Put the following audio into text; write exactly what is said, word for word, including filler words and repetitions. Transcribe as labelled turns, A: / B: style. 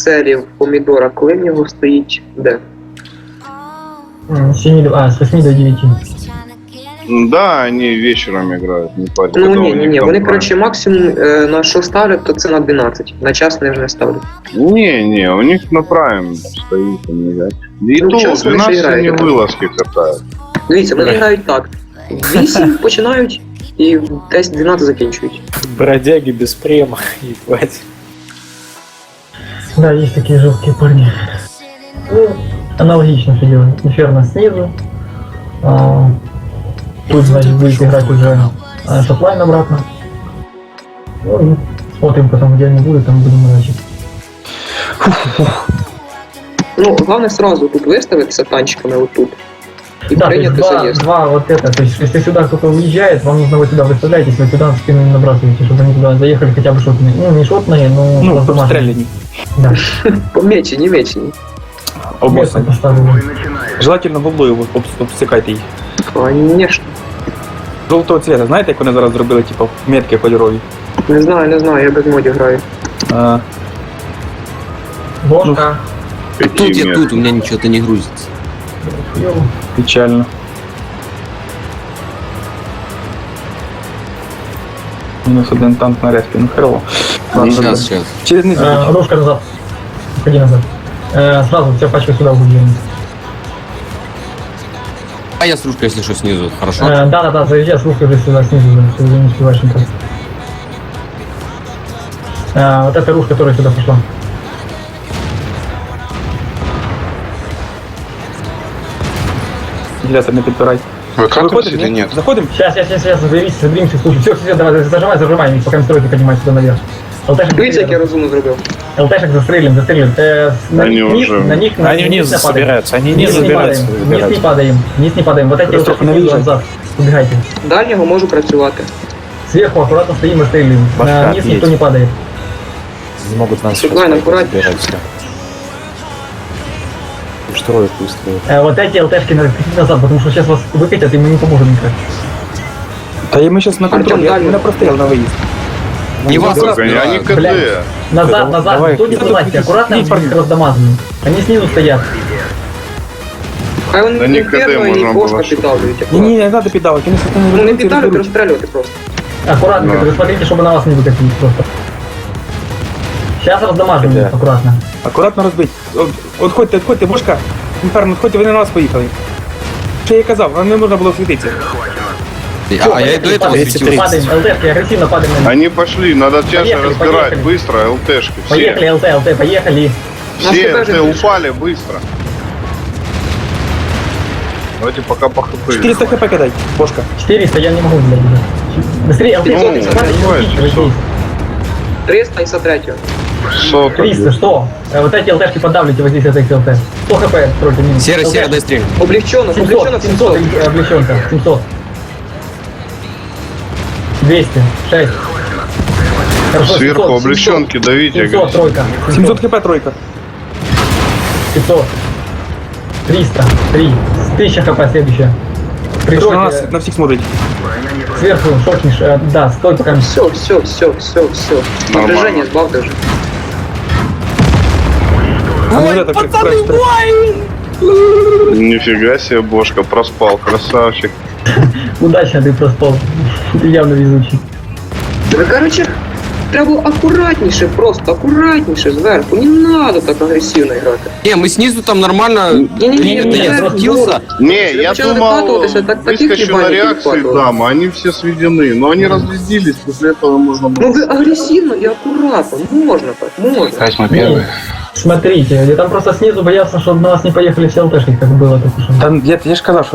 A: серії в помідора, коли в нього стоїть де?
B: С семи, а, с восьми до девяти.
C: Да, они вечером играют, не парень.
A: Ну ні, ні, ні, вони, коротше, максимум е, на що ставлять, то це на дванадцять. На час вони вже не ставлять.
C: Не, не, у них на прайм стоит он играть. И
A: Ну,
C: то
A: час вони ще
C: двенадцать они
A: грають.
C: вылазки катают.
A: Дивіться, вони грають так. В вісім починають і в десять дванадцять закінчують.
D: Бродяги без према, ебать.
B: Да, есть такие жесткие парни. Ну, аналогично все делаем. Инферно снизу. А, тут, значит, будет играть уже а, шотлайн обратно. Ну, и смотрим потом, где они будут, там будем играть.
A: Ну, головне сразу тут виставитися танчиками отут. І
B: Да, то есть
A: прийняти
B: два,
A: заїзд.
B: два вот это, то есть если сюда кто-то уезжает, вам нужно вот сюда выставлять, если вы сюда спину не набрасываете, чтобы они туда заехали хотя бы шотные. Ну, не шотные, но...
D: Ну,
B: просто
D: обстреляни.
B: Да.
A: Помечені, мечені.
B: Место
D: Обоссани.
B: поставили.
D: Желательно голубою об- обсикайте їх.
A: Конечно.
D: Жовтого цвета, знаєте, як вони зараз зробили, типу, метки кольорові?
A: Не знаю, не знаю, я без модів граю.
D: А,
B: Бошка.
C: Какие
E: Тут я
C: метки?
E: тут, у меня ничего-то не грузится.
B: Ёу.
D: печально. Мінус один танк на респі, ну херово. Ладно,
E: Сейчас, сейчас.
D: через низ.
B: Э, Рожка назад. Ходи назад. Э, сразу вся пачка сюда углублена.
E: А я с ружкой, если что, снизу. Хорошо.
B: Э, да, да, да, заезжай с ружкой уже сюда снизу, да, что уже не успеваешь никак. Э, вот эта ружка, которая сюда пошла.
D: Вентилятор не підпирай.
C: Выкатывать или
D: ні?
C: нет?
D: Заходим?
B: Сейчас, сейчас, сейчас, сейчас, заберись, заберемся, слушай. Все, все, давай, зажимай, зажимай, пока стройки поднимай сюда наверх. ЛТшек
A: Дивіться, як я
B: застрелим,
A: розумно зробив.
B: ЛТшек застрелим, застрелим. Э, на
C: Они
B: них вниз,
C: уже-
B: на них, на
D: Они
B: вниз
D: вниз
B: не падаем.
D: собираются, они
B: Вниз
D: вниз
B: не
D: собираются.
B: падаем, вниз не
D: собираются.
B: падаем, вниз не падаем. Вот эти
D: Просто
B: ЛТшки
D: навіжать.
B: снизу назад, убегайте.
A: Дальнього можу працювати.
B: Сверху аккуратно стоим и стреляем.
D: Башка
B: На низ никто
D: есть.
B: не падает.
D: Не могут нас
A: Шотлайн, аккуратнее.
D: Строят быстро.
B: Э, вот эти ЛТшки надо крутить назад, потому что сейчас вас выкатят, и мы не поможем никак.
D: Да и мы сейчас на контроль, я
A: дальний.
D: на прострел на выезд.
E: Не вас
C: Только они
E: разбирают.
C: КД.
B: Блядь. Назад, назад,
D: Давай.
B: кто не залазьте, аккуратно
D: Не,
B: их
D: парни.
B: раздамаживаем. Они снизу стоят.
A: Хай вони
C: Да
A: не
C: ні, КД
A: первого і
C: можна було
A: бошка
C: щось.
A: піддавлюють.
D: Не, не, не надо педалок, они с этим
A: Ну не
D: разберутся и
A: піддавлюють,
D: разберутся.
A: розстрілювати просто.
B: Аккуратно,
C: Да.
B: вы смотрите, чтобы на вас не выкатились просто. Сейчас раздамаживаем
D: Да.
B: их аккуратно.
D: Аккуратно розбить. От- Отходьте, отходьте, бошка. Інферно, отходьте, вони на вас поїхали. Що я казав, вам не можна було світитися.
E: А, а я и до этого
D: Падаем,
E: светился.
B: Падаем, ЛТшки, агрессивно падаем на них.
C: Они пошли, надо чаще
B: Поехали,
C: разбирать,
B: поехали.
C: быстро, ЛТшки. Все,
B: Поехали, ЛТ, ЛТ, поехали.
A: Нас
C: все
A: тебе
C: ЛТ
A: же
C: упали быстро. Давайте пока по хп.
D: четыреста хп кидай, бошка.
B: четыреста, я не могу, блядь, уже. Быстрее, ЛТ,
C: Ну,
B: падай, падай,
C: понимаешь,
B: не летите,
C: что?
B: вот здесь.
A: триста і сто три.
C: Сота.
B: триста, что? Э, Вот эти ЛТшки подавлите вот здесь, это их ЛТ. сто хп, стройте минус.
E: Серый, серый,
B: ЛТшки.
E: дай стрель.
A: Облегчено, облегчено
B: семьсот, семьсот,
A: семьсот.
B: облегченка, семьсот. двести, шесть. Хорошо,
C: Сверху
B: семьсот,
C: облегченки давите.
B: семьсот,
C: говорит.
B: тройка.
D: семьсот хп тройка.
B: пятьсот. триста, три. тысяча хп следующая.
D: На
B: Прикройте,
D: нас, на всіх смотрить.
B: сверху шотнешь, э, да, стой пока.
A: Все, все, все, все, все.
C: Нормально.
A: Напряжение збавте вже.
D: А ну, это, пацаны,
C: Нифига себе, бошка, проспал, красавчик.
B: Удачно ты проспал. Ты явно везучий.
A: Ви, короче, треба акуратніше, просто акуратніше зверху. Не надо так агресивно грати.
E: Не, мы снизу там нормально.
A: Не-не-не,
E: Это я
A: не,
E: спустился.
C: Не,
A: Если
C: я
A: начало
C: думал,
A: докатываться, так таких
C: выскочу на
A: ебаний
C: реакции
A: перехватывало.
C: дам, а они все сведены. Но они разрядились, после этого можно было...
A: Ну ви агресивно і акуратно, можна так, можна.
B: Не, смотрите, я там просто снизу боялся, чтобы на нас не поехали все ЛТшки, как было только что.
D: Та я, я ж казав, що